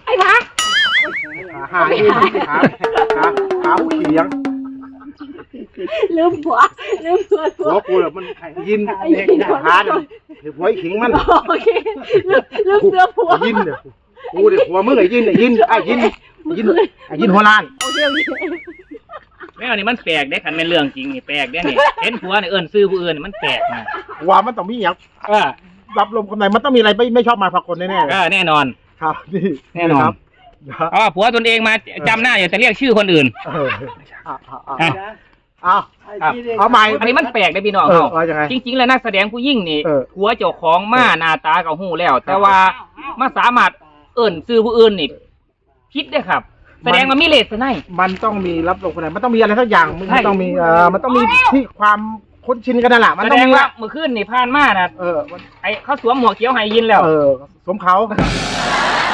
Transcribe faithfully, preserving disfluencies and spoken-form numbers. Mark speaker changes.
Speaker 1: อ้พระ
Speaker 2: หายินหาหาหาผู้เขียง
Speaker 1: ลืมผัวลืมตัวผั
Speaker 2: หั
Speaker 1: ว
Speaker 2: วกูแบบมันยินหาเนี่ยหัวไอ้ขิงมัน
Speaker 1: โอเคลืมลืมเสื้อผัว
Speaker 2: ยินเนี่ยกูเดี๋ยวหัวมึงไอ้ยินไอ้ยินไอ้ยินยินไอ้ยินหัวล้าน
Speaker 1: โอเคโอเค
Speaker 3: แม่นี่มันแปลกได้คันเป็นเรื่องจริงนี่แปลกได้นี่เห็นผัวเนี่ยเอิ้นซื้อผู้อื่นมันแปลกนะ
Speaker 2: ว่ามันต้องมีอย่าง
Speaker 3: เออ
Speaker 2: รับลมคำไหนมันต้องมีอะไรไม่ไม่ชอบมาพากลแน่
Speaker 3: เออแน่นอน
Speaker 2: ๆครับนี่
Speaker 3: แน่นอน
Speaker 2: ครับ
Speaker 3: เพราะว่าผัวตนเองมาจำหน้าอย่าจะเรียกชื่อคนอื่น
Speaker 2: เออเอาเอา
Speaker 3: อ่ะ
Speaker 2: เอา
Speaker 3: ครับ
Speaker 2: เอาใหม่
Speaker 3: อันนี้มันแปลกได้พี่น้อง
Speaker 2: เออ
Speaker 3: เขา
Speaker 2: ว่ายังไง
Speaker 3: จริง ๆ แล้วนักแสดงผู้ยิ่งนี่
Speaker 2: เออ
Speaker 3: ผัวเจ้าของมาหน้าตากับหูแล้ว แต่ว่ามาสามารถเอิ่นซื้อผู้อื่นนี่คิดได้ครับ แสดงมันมีเลสไน
Speaker 2: มันต้องมีรับลมคำไหนมันต้องมีอะไรสักอย่างมัน
Speaker 3: ใช่
Speaker 2: ต้องมีเออมันต้องมีที่ความคุ้นชินกันนั่นแหละมัน
Speaker 3: แส
Speaker 2: ต้อ
Speaker 3: ด
Speaker 2: ง
Speaker 3: ง
Speaker 2: มี
Speaker 3: ว่า
Speaker 2: ละ
Speaker 3: เมื่อคืนนี่ผ่านมานะ
Speaker 2: เออมัน
Speaker 3: ไอเขาสวมหมวกเขียวให้ยินแล้ว
Speaker 2: เออสมเขา